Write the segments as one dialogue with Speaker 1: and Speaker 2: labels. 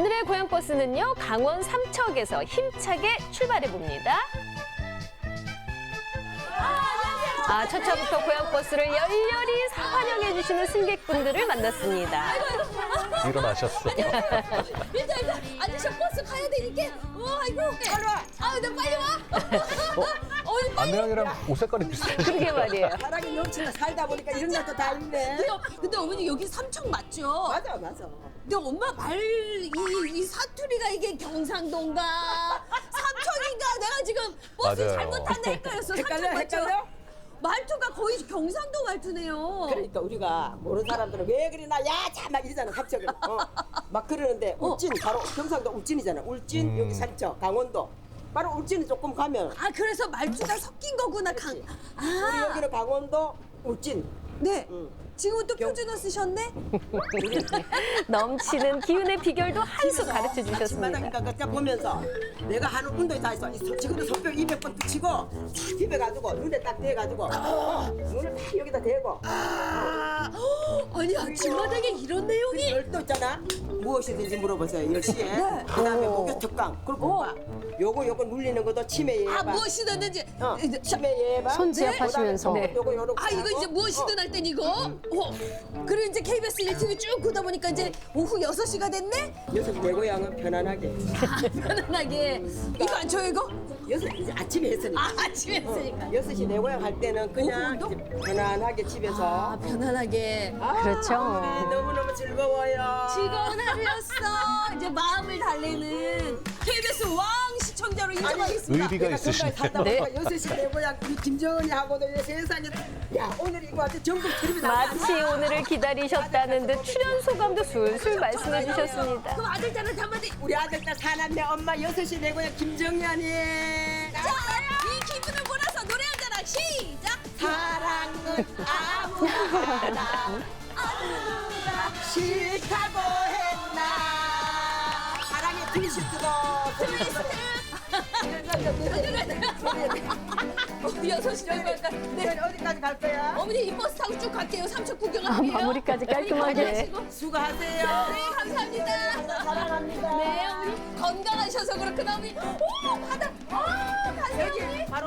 Speaker 1: 오늘의 고향버스는요, 강원 삼척에서 힘차게 출발해봅니다. 첫 차부터 고향버스를 열렬히 환영해주시는 승객분들을 만났습니다.
Speaker 2: 일어나셨어.
Speaker 3: 일단 아저씨 버스 가야 되니까 아이고 빨리 와. 나 빨리 와. 어이 빨리.
Speaker 2: 안내양이랑 옷 색깔이 비슷해.
Speaker 1: 그러게 말이에요.
Speaker 4: 사랑이 넘치나 살다 보니까 이런 것도 다 있네.
Speaker 3: 근데 어머니 여기 삼척 맞죠?
Speaker 4: 맞아, 맞아.
Speaker 3: 근데 엄마 이 사투리가 이게 경상도인가 삼척인가 내가 지금 버스
Speaker 2: 맞아요.
Speaker 3: 잘못 탔네 헷갈렸어.
Speaker 4: 헷갈려,
Speaker 3: 삼척 맞죠?
Speaker 4: 헷갈려?
Speaker 3: 말투가 거의 경상도 말투네요.
Speaker 4: 그러니까 우리가 모르는 사람들은 왜 그러나 야자 막 이러잖아 갑자기. 막 그러는데 울진 바로 경상도 울진이잖아. 울진 여기 삼척 강원도. 바로 울진이 조금 가면
Speaker 3: 그래서 말투가 섞인 거구나.
Speaker 4: 우리 여기는 강원도 울진.
Speaker 3: 네.
Speaker 4: 응.
Speaker 3: 지금은 또 표준어 쓰셨네?
Speaker 1: 넘치는 기운의 비결도 한 수 가르쳐 주셨습니다.
Speaker 4: 아침마당인가 그때 보면서 내가 하는 운동이 다 있어. 지금도 손뼉 200번 붙이고 탁 비벼가지고 눈에 딱 대가지고 눈을 딱 여기다 대고
Speaker 3: 아니 아침마당에 이런 내용이
Speaker 4: 열도 있잖아. 무엇이든지 물어보세요. 10시에.
Speaker 3: 네.
Speaker 4: 그다음에 목욕 특강. 그리고 봐. 요거 눌리는 것도 치매 예방.
Speaker 3: 무엇이든지
Speaker 4: 치매 예방.
Speaker 1: 손지압하시면서.
Speaker 4: 네. 요거
Speaker 3: 이거 이제 무엇이든 할 땐 이거 그리고 이제 KBS 1TV 쭉 보다 보니까 이제 오후 6시가 됐네?
Speaker 4: 여섯 내 고향은 편안하게.
Speaker 3: 편안하게 이거 안 쳐요 이거?
Speaker 4: 여섯 이제 아침에 했으니까.
Speaker 3: 아침에 했으니까
Speaker 4: 6시 내 고향 할 때는 그냥
Speaker 3: 오후도?
Speaker 4: 이제 편안하게 집에서.
Speaker 3: 편안하게
Speaker 1: 그렇죠.
Speaker 4: 우리 너무너무 즐거워요.
Speaker 3: 즐거운 하루였어 이제 마음을 달래는 KBS 왕 시청자로 인정하겠습니다.
Speaker 2: 의리가
Speaker 4: 내가
Speaker 2: 있으시네.
Speaker 4: 거기까지 살다
Speaker 1: 네.
Speaker 4: 보니까 6시 내 고향 우리 김정은이 하고도 이 세상에 야 오늘 이거 아주 전국 TV에
Speaker 1: 마치 오늘을 기다리셨다는 듯 출연 소감도 술술 말씀해 주셨습니다.
Speaker 3: 그럼 아들딸한테 한마디
Speaker 4: 우리 아들딸 사남매 엄마 6시 내 고향 김정연이.
Speaker 3: 자, 이 기분을 몰아서 노래 한 잔 시작
Speaker 4: 사랑은 아무나 싫다고 했나. 사랑의 트위스트도.
Speaker 3: 여섯 시 정도
Speaker 4: 네. 어디까지 갈 거야?
Speaker 3: 어머니 이 버스 타고 쭉 갈게요. 삼척 구경하게요.
Speaker 1: 마무리까지 깔끔하게.
Speaker 4: 수고하세요.
Speaker 3: 네, 감사합니다.
Speaker 4: 사랑합니다.
Speaker 3: 네, 어머니 건강하셔서 그렇구나, 어머니. 오, 바다. 가세요, 어머니.
Speaker 4: 바로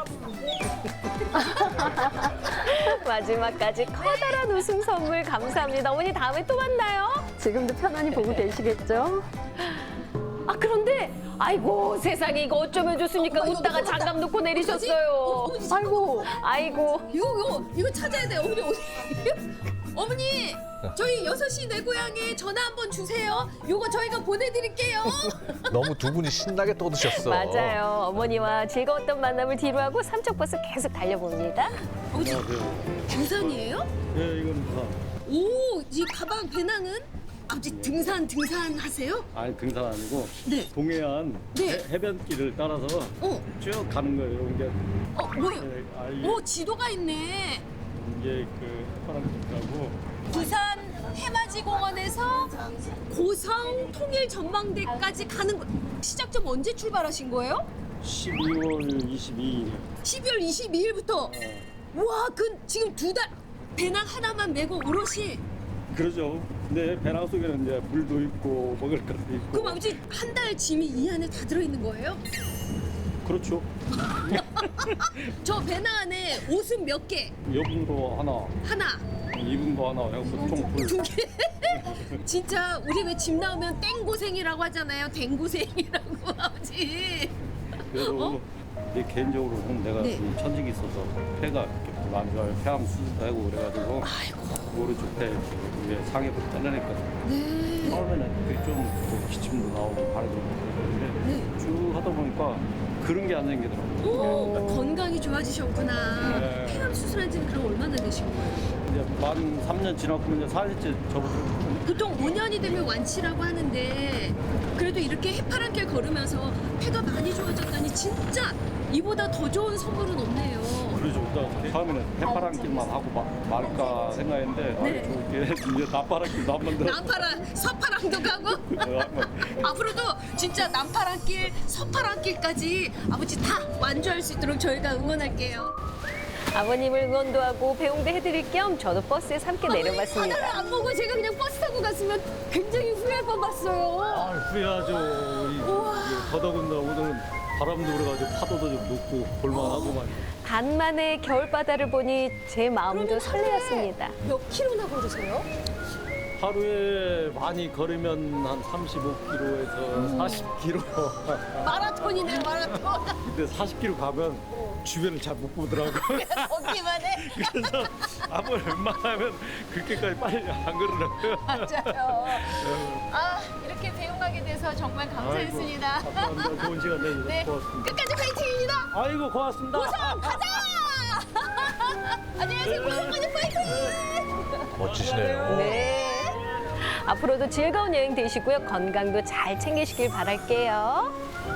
Speaker 1: 마지막까지 커다란 웃음 선물 감사합니다. 어머니 다음에 또 만나요.
Speaker 5: 지금도 편안히 보고 계시겠죠?
Speaker 1: 그런데 아이고 세상에 이거 어쩌면 좋습니까?
Speaker 3: 어머, 이거
Speaker 1: 웃다가
Speaker 3: 무섭다.
Speaker 1: 장갑 놓고
Speaker 3: 어떡하지?
Speaker 1: 내리셨어요.
Speaker 3: 아이고.
Speaker 1: 아이고
Speaker 3: 이거 찾아야 돼요, 어머니. 어머니, 저희 6시 내 고향에 전화 한번 주세요. 요거 저희가 보내드릴게요.
Speaker 2: 너무 두 분이 신나게 떠드셨어.
Speaker 1: 맞아요. 어머니와 즐거웠던 만남을 뒤로하고 삼척버스 계속 달려봅니다.
Speaker 3: 어머니, 등산이에요?
Speaker 6: 예, 이건 다.
Speaker 3: 오, 이 가방 배낭은? 아버지 등산 하세요?
Speaker 6: 아니 등산 아니고
Speaker 3: 네.
Speaker 6: 동해안
Speaker 3: 네.
Speaker 6: 해변길을 따라서
Speaker 3: 어,
Speaker 6: 쭉 가는 거예요. 이게
Speaker 3: 뭐요?
Speaker 6: 이게
Speaker 3: 오, 지도가 있네.
Speaker 6: 그 파란빛하고
Speaker 3: 부산 해맞이 공원에서 고성 통일 전망대까지 가는 거. 시작점 언제 출발하신 거예요?
Speaker 6: 12월 22일.
Speaker 3: 12월 22일부터. 와, 지금 2달 배낭 하나만 메고 오롯이.
Speaker 6: 그러죠. 근데 배낭 속에는 이제 물도 있고 먹을 것도 있고.
Speaker 3: 그럼 아버지 한 달 짐이 이 안에 다 들어있는 거예요?
Speaker 6: 그렇죠.
Speaker 3: 저 배낭 안에 옷은 몇 개?
Speaker 6: 여분도 하나,
Speaker 3: 하나,
Speaker 6: 이분도 하나 해서 총 둘.
Speaker 3: 2개? 진짜 우리 왜 짐 나오면 땡고생이라고 하잖아요. 땡고생이라고 아버지.
Speaker 6: 그래도 내 개인적으로 보면 내가
Speaker 3: 네.
Speaker 6: 좀 천직이 있어서 폐가 이렇게 안 좋아요. 폐암 수술도 하고 그래가지고 오른쪽 폐 위에 상해부터 잘라냈거든요.
Speaker 3: 네.
Speaker 6: 처음에는 그게 좀 기침도 나오고 발도 그랬는데
Speaker 3: 네.
Speaker 6: 쭉 하다 보니까 그런 게 안 생기더라고요.
Speaker 3: 오, 건강이 좋아지셨구나.
Speaker 6: 네.
Speaker 3: 폐암 수술한 지는 그럼 얼마나 되신 거예요?
Speaker 6: 이제 만 3년 지났고 이제 4년째 접어들었거든요.
Speaker 3: 보통 5년이 되면 완치라고 하는데 그래도 이렇게 해파랑길 걸으면서 폐가 많이 좋아졌다니 진짜 이보다 더 좋은 선물은 없네요.
Speaker 6: 그러죠. 그러니까 처음에는 해파랑길만 하고 말까 생각했는데
Speaker 3: 네.
Speaker 6: 좋게 이제 나파랑길도 한 번 더.
Speaker 3: 남파랑 서파랑도 가고 앞으로도 진짜 남파랑길, 서파랑길까지 아버지 다 완주할 수 있도록 저희가 응원할게요.
Speaker 1: 아버님을 응원도 하고 배웅도 해드릴 겸 저도 버스에서 함께
Speaker 3: 바다를
Speaker 1: 내려봤습니다.
Speaker 3: 안 보고 제가 그냥 버스 타고 갔으면 굉장히 후회할 뻔봤어요.
Speaker 6: 아, 후회하죠. 더더군다나 오늘은 바람도 불어가지고 파도도 좀 높고 볼만하고만.
Speaker 1: 간만에 겨울바다를 보니 제 마음도 설레었습니다.
Speaker 3: 몇 킬로나 걸으세요?
Speaker 6: 하루에 많이 걸으면 한 35km에서 40km.
Speaker 3: 마라톤이네 마라톤.
Speaker 6: 근데 40km 가면 주변을 잘 못 보더라고요.
Speaker 3: 걷기만 해.
Speaker 6: 그래서 아무리 웬만하면 그렇게까지 빨리 안 걸으라고요.
Speaker 3: 맞아요. 아 이렇게 배웅하게 돼서 정말 감사했습니다.
Speaker 6: 아이고, 감사합니다. 좋은 시간 내주셔서
Speaker 3: 네,
Speaker 6: 고맙습니다.
Speaker 3: 끝까지 파이팅입니다.
Speaker 6: 아이고 고맙습니다.
Speaker 3: 고성 가자. 안녕하세요 고성까지 파이팅.
Speaker 2: 멋지시네요.
Speaker 1: 네. 앞으로도 즐거운 여행 되시고요. 건강도 잘 챙기시길 바랄게요.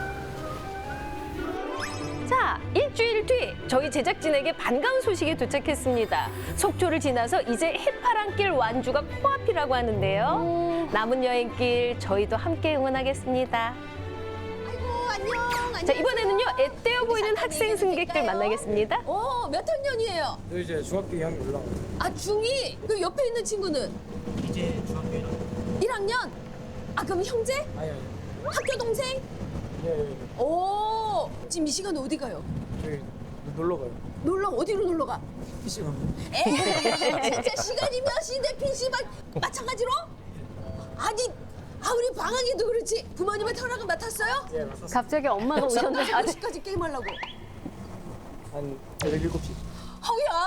Speaker 1: 자, 일주일 뒤 저희 제작진에게 반가운 소식이 도착했습니다. 속초를 지나서 이제 해파랑길 완주가 코앞이라고 하는데요. 남은 여행길 저희도 함께 응원하겠습니다.
Speaker 3: 아이고 안녕.
Speaker 1: 자, 이번에는요, 애떼어 보이는 학생 승객들 만나겠습니다.
Speaker 3: 몇 학년이에요?
Speaker 7: 저 이제 중학교 2학년 올라가요.
Speaker 3: 아 중2? 그 옆에 있는 친구는?
Speaker 7: 이제 중학교
Speaker 3: 1학년? 아 그럼 형제?
Speaker 7: 아니.
Speaker 3: 학교 동생?
Speaker 7: 예.
Speaker 3: 오 지금 이 시간에 어디 가요?
Speaker 7: 저희 놀러 가요.
Speaker 3: 놀러 어디로 놀러 가?
Speaker 7: PC방.
Speaker 3: 에이 진짜 시간이 몇인데 PC방 마찬가지로? 아니 우리 방학에도 그렇지 부모님의 허락을 맡았어요?
Speaker 7: 예, 맞았어요.
Speaker 5: 갑자기 엄마가 오셨는데
Speaker 3: 몇 시까지 게임하려고?
Speaker 7: 한 7시.
Speaker 3: 허야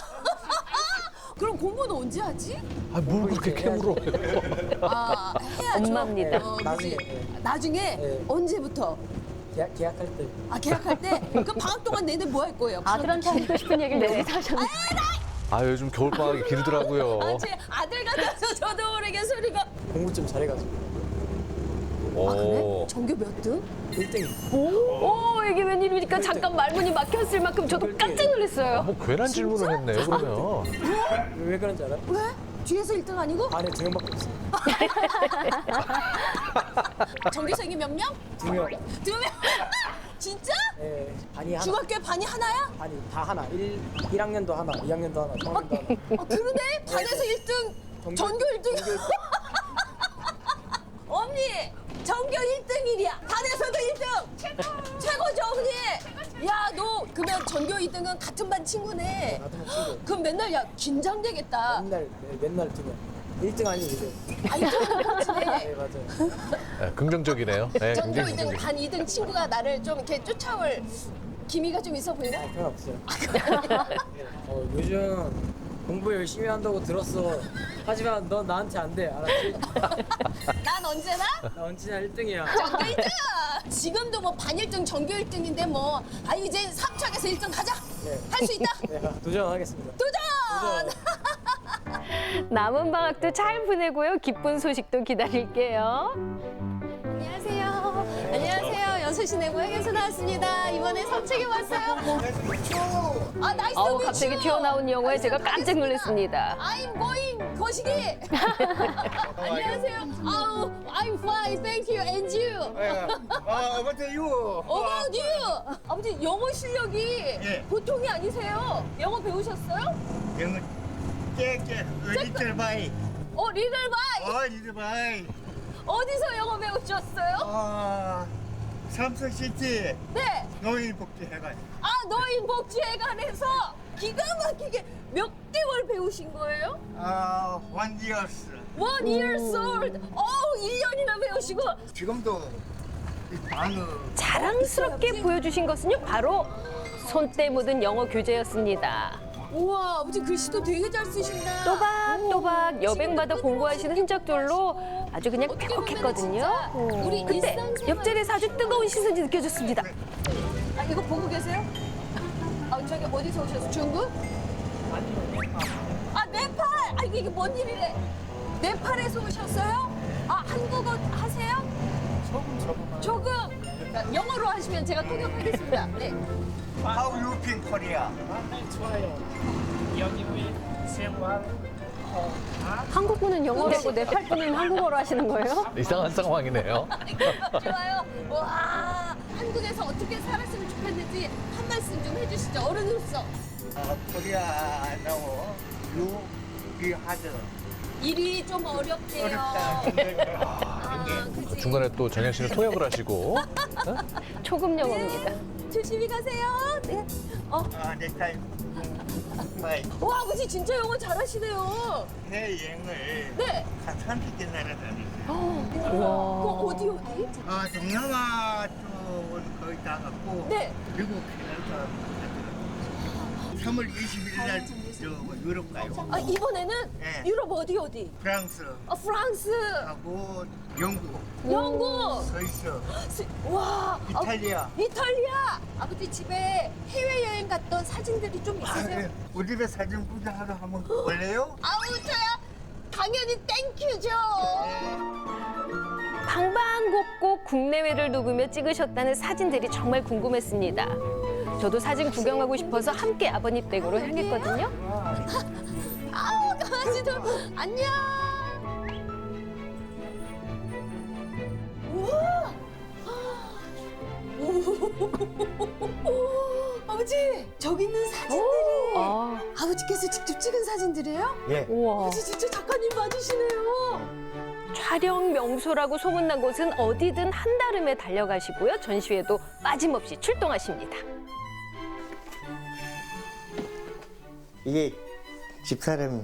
Speaker 3: 그럼 공부는 언제 하지?
Speaker 2: 아, 뭘 그렇게 캐물어요.
Speaker 3: 아 해야죠
Speaker 1: 엄마입니다.
Speaker 7: 나중에.
Speaker 3: 그지?
Speaker 7: 예.
Speaker 3: 나중에
Speaker 7: 네.
Speaker 3: 언제부터?
Speaker 7: 계약할 때.
Speaker 3: 아 계약할 때? 그럼 방학 동안 내내 뭐 할 거예요?
Speaker 5: 아들한테 하고 싶은 얘기를 여기서 하셨네.
Speaker 2: 아, 요즘 겨울방학이 길더라고요.
Speaker 3: 아, 제 아들 같아서 저도 모르게 소리가.
Speaker 7: 공부 좀 잘해가지고.
Speaker 3: 아, 그래?
Speaker 2: 오.
Speaker 3: 전교 몇 등?
Speaker 7: 1등이.
Speaker 1: 오, 이게 웬일입니까? 잠깐 말문이 막혔을 만큼 저도 깜짝 놀랐어요.
Speaker 2: 뭐 괜한 질문을 했네요, 그러면.
Speaker 7: 왜 그런지 알아요?
Speaker 3: 왜? 뒤에서 1등 아니고?
Speaker 7: 반에 2명밖에 없어요.
Speaker 3: 전교생이 몇 명?
Speaker 7: 2명.
Speaker 3: 2명? 진짜?
Speaker 7: 예. 반이 하나.
Speaker 3: 중학교에 반이 하나야?
Speaker 7: 반이 다 하나. 1학년도 하나, 2학년도 하나, 3학년도 하나.
Speaker 3: 그러네? 반에서 1등, 전교 1등. 언니, 전교 1등이야. 반에서도 1등. 최고죠, 언니. 야, 너 그러면 전교 2등은 같은 반 친구네.
Speaker 7: 같은 반 친구.
Speaker 3: 그럼 맨날 야 긴장되겠다.
Speaker 7: 맨날 2명. 1등 아니고 이제.
Speaker 3: 아, 1등 그렇지.
Speaker 7: 네, 맞아요.
Speaker 2: 네, 긍정적이네요. 네,
Speaker 3: 전교
Speaker 2: 굉장히
Speaker 3: 2등,
Speaker 2: 긍정적.
Speaker 3: 반 2등 친구가 나를 좀 이렇게 쫓아올 기미가 좀 있어 보이나?
Speaker 7: 아, 그건 없어요. 요즘 공부 열심히 한다고 들었어. 하지만 넌 나한테 안 돼. 알았지?
Speaker 3: 난 언제나
Speaker 7: 나 언제나 1등이야.
Speaker 3: 전교 1등! 지금도 뭐 반 1등, 전교 1등인데 뭐, 이제 3차에서 1등 가자!
Speaker 7: 네.
Speaker 3: 할 수 있다!
Speaker 7: 네, 도전하겠습니다.
Speaker 3: 도전!
Speaker 1: 남은 방학도 잘 보내고요. 기쁜 소식도 기다릴게요.
Speaker 3: 안녕하세요. 안녕하세요. 6시 내 고향에서 나왔습니다. 이번에 삼척에 왔어요. 아, 나이스
Speaker 1: 아우,
Speaker 3: 미츠.
Speaker 1: 갑자기 튀어나온 영어에 제가 깜짝 놀랐습니다.
Speaker 3: I'm going 거시기. 안녕하세요. 아우, I'm fine, thank you, and you.
Speaker 8: What are you?
Speaker 3: About you. 아버지 영어 실력이
Speaker 8: 예.
Speaker 3: 보통이 아니세요. 영어 배우셨어요?
Speaker 8: 영어 깨깨 리틀 바이.
Speaker 3: 리들 바이.
Speaker 8: 리틀 바이.
Speaker 3: 어디서 영어 배우셨어요?
Speaker 8: 삼성시티
Speaker 3: 네.
Speaker 8: 노인복지회관.
Speaker 3: 노인 복지회관에서 기가 막히게 몇 개월 배우신 거예요?
Speaker 8: 1 years.
Speaker 3: 1 years old. 1년이나 배우시고.
Speaker 8: 지금도 이 단어
Speaker 1: 자랑스럽게 보여주신 것은요, 바로 손때 묻은 영어 교재였습니다.
Speaker 3: 우와, 아버지 글씨도 되게 잘 쓰신다.
Speaker 1: 또박또박 여백마다 공부하시는 흔적들로 아주 그냥
Speaker 3: 어떻게 보면은
Speaker 1: 뾰족했거든요.
Speaker 3: 진짜 우리
Speaker 1: 근데
Speaker 3: 일상생활-
Speaker 1: 옆자리에서 아주 뜨거운 시선이 느껴졌습니다.
Speaker 3: 이거 보고 계세요? 저기 어디서 오셨어요? 중국? 네팔! 이게 뭔 일이래? 네팔에서 오셨어요? 한국어 하세요? 조금. 영어로 하시면 제가 통역하겠습니다. 네.
Speaker 8: How you think Korea?
Speaker 5: 한국 분은 영어로 하고 네팔 분은 한국어로 하시는 거예요?
Speaker 2: 이상한 상황이네요.
Speaker 3: 좋아요. 와, 한국에서 어떻게 살았으면 좋겠는지 아버지 한 말씀 좀 해주시죠. 어른으로서.
Speaker 8: 코리아 나오 유비 하드
Speaker 3: 일이 좀 어렵대요.
Speaker 8: 어렵다.
Speaker 3: 그치.
Speaker 2: 중간에 또 정현 씨는 통역을 하시고.
Speaker 1: 초급 영어입니다.
Speaker 3: 조심히 가세요. 네.
Speaker 8: 넥타이 마이
Speaker 3: 와, 아버지 진짜 영어 잘하시네요.
Speaker 8: 해여행을
Speaker 3: 네.
Speaker 8: 한 30개 나라다녔어요.
Speaker 3: 그럼 어디?
Speaker 8: 동남아 쪽은 거의 다 갔고
Speaker 3: 네.
Speaker 8: 미국 캐나다 3월 21일 날 유럽 가요.
Speaker 3: 아, 이번에는
Speaker 8: 네.
Speaker 3: 유럽 어디?
Speaker 8: 프랑스
Speaker 3: 프랑스,
Speaker 8: 하고 영국,
Speaker 3: 영국.
Speaker 8: 스위스,
Speaker 3: 와,
Speaker 8: 이탈리아.
Speaker 3: 이탈리아. 아버지 집에 해외 여행 갔던 사진들이 좀 있으세요?
Speaker 8: 우리 집에 사진 구경하러 한번 볼래요?
Speaker 3: 아우 저야 당연히 땡큐죠.
Speaker 1: 방방곡곡 국내외를 누비며 찍으셨다는 사진들이 정말 궁금했습니다. 저도 사진 구경하고 싶어서 함께 아버님 댁으로 향했거든요.
Speaker 3: 아우 강아지들 안녕. 우와. 아버지 저기 있는 사진들이
Speaker 1: 아,
Speaker 3: 아버지께서 직접 찍은 사진들이에요?
Speaker 8: 예.
Speaker 1: 우와.
Speaker 3: 아버지 진짜 작가님 맞으시네요.
Speaker 1: 촬영 명소라고 소문난 곳은 어디든 한달음에 달려가시고요. 전시회도 빠짐없이 출동하십니다.
Speaker 9: 이게 집사람이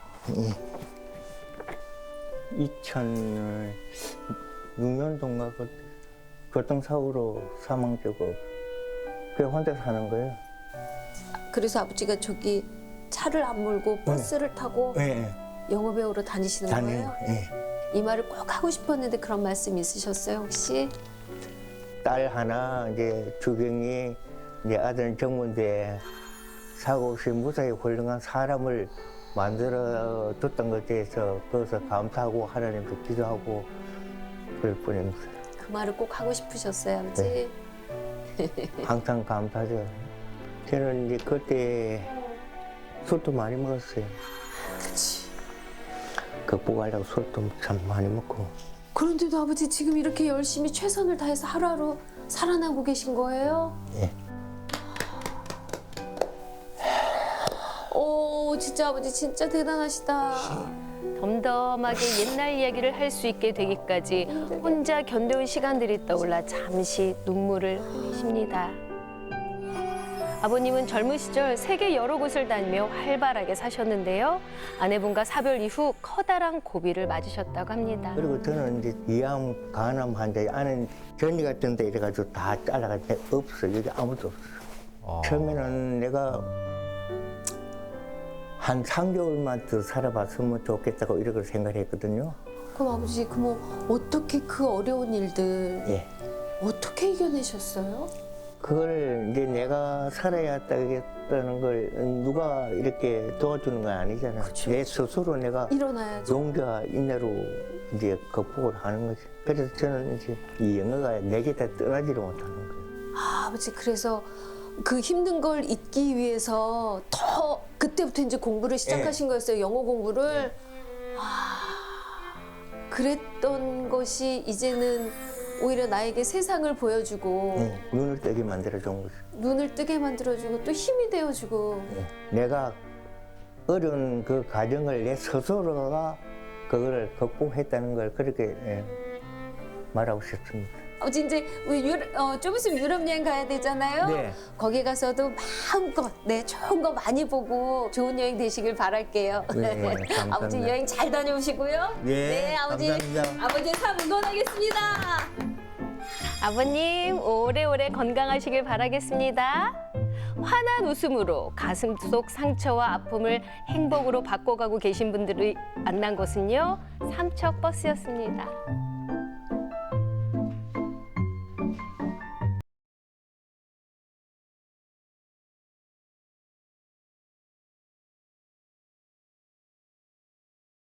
Speaker 9: 2006년도인가 교통사고로 사망되고 그냥 혼자 사는 거예요.
Speaker 3: 그래서 아버지가 저기 차를 안 몰고 버스를 타고
Speaker 9: 예,
Speaker 3: 영어배우로 다니시는
Speaker 9: 다니는
Speaker 3: 거예요?
Speaker 9: 예.
Speaker 3: 이 말을 꼭 하고 싶었는데 그런 말씀 있으셨어요 혹시?
Speaker 9: 딸 하나 이제 주경이 이제 아들 정문대 사고 없이 무사히 훌륭한 사람을 만들어 뒀던 것에 대해서 거기서 감사하고 하나님께 기도하고 그럴 뿐입니다.
Speaker 3: 그 말을 꼭 하고 싶으셨어요 아버지?
Speaker 9: 항상 감사하죠. 저는 이제 그때 술도 많이 먹었어요.
Speaker 3: 그치.
Speaker 9: 극복하려고 술도 참 많이 먹고.
Speaker 3: 그런데도 아버지 지금 이렇게 열심히 최선을 다해서 하루하루 살아나고 계신 거예요?
Speaker 9: 예.
Speaker 3: 오 진짜 아버지 진짜 대단하시다.
Speaker 1: 덤덤하게 옛날 이야기를 할 수 있게 되기까지 혼자 견뎌온 시간들이 떠올라 잠시 눈물을 흘리십니다. 아버님은 젊은 시절 세계 여러 곳을 다니며 활발하게 사셨는데요. 아내분과 사별 이후 커다란 고비를 맞으셨다고 합니다.
Speaker 9: 그리고 저는 이제 위암, 간암 환자, 아는 전이 같은 데 이래가지고 다 잘라갈 때 없어. 여기 아무도 없어. 처음에는 내가 한 3개월만 더 살아봤으면 좋겠다고 이렇게 생각했거든요.
Speaker 3: 그럼 아버지 그럼 어떻게 그 어려운 일들
Speaker 9: 예.
Speaker 3: 어떻게 이겨내셨어요?
Speaker 9: 그걸 이제 내가 살아야 되겠다는 걸 누가 이렇게 도와주는 건 아니잖아. 내 스스로 내가
Speaker 3: 일어나야죠.
Speaker 9: 용기와 인내로 이제 극복을 하는 거지. 그래서 저는 이제 이 영어가 내게다 떠나지를 못하는 거예요.
Speaker 3: 아, 아버지 그래서 그 힘든 걸 잊기 위해서 더 그때부터 이제 공부를 시작하신 거였어요. 영어 공부를. 그랬던 것이 이제는 오히려 나에게 세상을 보여주고
Speaker 9: 눈을 뜨게 만들어준 거죠.
Speaker 3: 눈을 뜨게 만들어주고 또 힘이 되어주고.
Speaker 9: 내가 어려운 그 과정을 내 스스로가 그걸 극복했다는 걸 그렇게 말하고 싶습니다.
Speaker 3: 아버지 이제 우리 좀 있으면 유럽 여행 가야 되잖아요.
Speaker 9: 네.
Speaker 3: 거기 가서도 마음껏 좋은 거 많이 보고 좋은 여행 되시길 바랄게요.
Speaker 9: 네, 감사합니다.
Speaker 3: 아버지 여행 잘 다녀오시고요.
Speaker 9: 네,
Speaker 3: 아버지.
Speaker 9: 감사합니다.
Speaker 3: 아버지 삶 응원하겠습니다.
Speaker 1: 아버님 오래오래 건강하시길 바라겠습니다. 환한 웃음으로 가슴 속 상처와 아픔을 행복으로 바꿔가고 계신 분들이 만난 곳은요. 삼척버스였습니다.